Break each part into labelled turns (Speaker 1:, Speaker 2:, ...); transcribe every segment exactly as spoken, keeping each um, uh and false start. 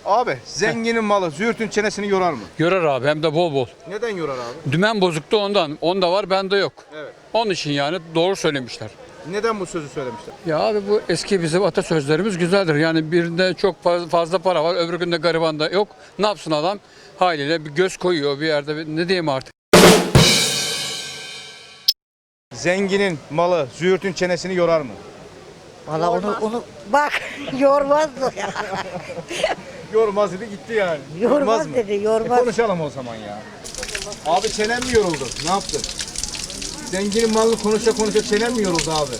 Speaker 1: Abi zenginin malı züğürtün çenesini yorar mı?
Speaker 2: Yorar abi, hem de bol bol.
Speaker 1: Neden yorar abi?
Speaker 2: Dümen bozuktu ondan. Onda var, bende yok.
Speaker 1: Evet.
Speaker 2: Onun için yani doğru söylemişler.
Speaker 1: Neden bu sözü söylemişler?
Speaker 2: Ya abi, bu eski bizim atasözlerimiz güzeldir. Yani birinde çok faz- fazla para var, öbür günde garibanda yok. Ne yapsın adam? Haliyle bir göz koyuyor bir yerde. bir- Ne diyeyim artık?
Speaker 1: Zenginin malı züğürtün çenesini yorar mı?
Speaker 3: Valla onu, onu bak yormaz mı?
Speaker 1: Yormaz dedi gitti yani.
Speaker 3: Yormaz
Speaker 1: mı?
Speaker 3: dedi, yormaz.
Speaker 1: E konuşalım o zaman ya. Abi çenen mi yoruldu? Ne yaptın? Zenginin malını konuşa konuşa çenen mi yoruldu abi?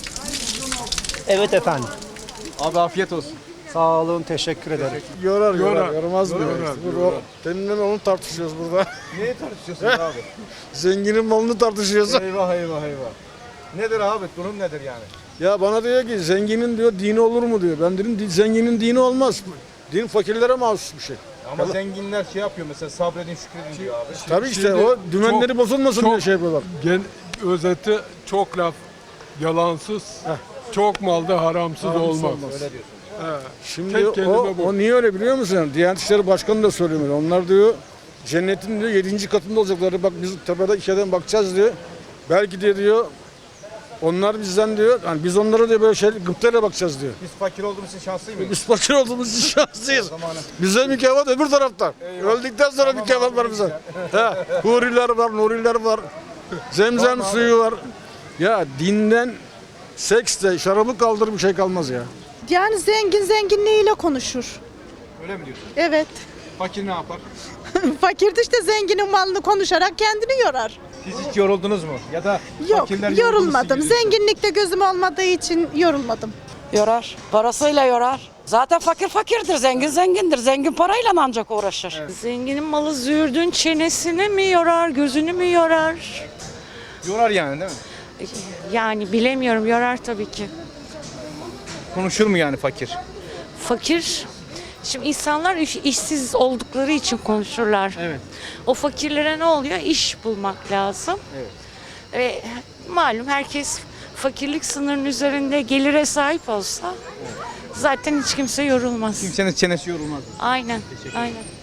Speaker 4: Evet efendim.
Speaker 1: Abi afiyet olsun.
Speaker 4: Sağ olun, teşekkür ederim.
Speaker 5: Yorar, yorar,
Speaker 1: Yorar.
Speaker 5: yormaz mı?
Speaker 1: Yorar,
Speaker 5: Yorar,
Speaker 1: yorar.
Speaker 5: Seninle onu tartışıyoruz burada.
Speaker 1: Neyi tartışıyorsunuz abi?
Speaker 5: Zenginin malını tartışıyoruz.
Speaker 1: Eyvah eyvah eyvah. Nedir abi? Durum nedir yani?
Speaker 5: Ya bana diyor ki zenginin diyor dini olur mu diyor. Ben dedim "Di- zenginin dini olmaz. Din fakirlere mahsus bir şey.
Speaker 1: Ama zenginler şey yapıyor mesela sabredin şükredin diyor abi.
Speaker 5: Tabii işte
Speaker 6: Şimdi
Speaker 5: o dümenleri
Speaker 6: çok-
Speaker 5: bozulmasın diye
Speaker 6: çok-
Speaker 5: şey yapıyorlar.
Speaker 6: Gen, özeti çok laf yalansız, çok malda haramsız,
Speaker 5: Haramsız
Speaker 6: olmaz.
Speaker 5: olmaz.
Speaker 1: Öyle diyorsun.
Speaker 6: He.
Speaker 5: Şimdi
Speaker 6: Tek
Speaker 5: o,
Speaker 6: kelime bu.
Speaker 5: o niye öyle biliyor musun? Diyanet İşleri Başkanı da söylüyor. Onlar diyor cennetin diyor yedinci katında olacakları. Bak biz tepede içeriden bakacağız diyor. Belki de diyor onlar bizden diyor. Yani biz onlara diyor böyle şey gıptayla bakacağız diyor.
Speaker 1: Biz fakir olduğumuz için şanslı mıyız?
Speaker 5: Biz fakir olduğumuz için şanslıyız.
Speaker 1: Zamanı.
Speaker 5: Bize mükafat öbür tarafta. Öldükten sonra mükafat var bize. He, huriler var, nuriler var. Zemzem suyu var. Ya dinden, seksle, şarabı kaldır bir şey kalmaz ya.
Speaker 7: Yani zengin zenginliğiyle konuşur.
Speaker 1: Öyle mi diyorsun?
Speaker 7: Evet.
Speaker 1: Fakir ne yapar?
Speaker 7: Fakir de işte zenginin malını konuşarak kendini yorar.
Speaker 1: Siz hiç yoruldunuz mu? Ya da
Speaker 7: Yok,
Speaker 1: fakirler
Speaker 7: yorulmadım.
Speaker 1: yorulduğunu siz-
Speaker 7: Zenginlikte gözüm olmadığı için yorulmadım.
Speaker 8: Yorar. Parasıyla yorar. Zaten fakir fakirdir, zengin zengindir. Zengin parayla ancak uğraşır.
Speaker 9: Zenginin malı züğürdün çenesini mi yorar, gözünü mü yorar?
Speaker 1: Yorar yani değil mi?
Speaker 9: Yani bilemiyorum, yorar tabii ki.
Speaker 1: Konuşur mu yani fakir?
Speaker 9: Fakir, şimdi insanlar iş- işsiz oldukları için konuşurlar.
Speaker 1: Evet.
Speaker 9: O fakirlere ne oluyor? İş bulmak lazım.
Speaker 1: Evet.
Speaker 9: Ve malum herkes fakirlik sınırının üzerinde gelire sahip olsa zaten hiç kimse yorulmaz.
Speaker 1: Kimsenin çenesi yorulmaz.
Speaker 9: Aynen, aynen.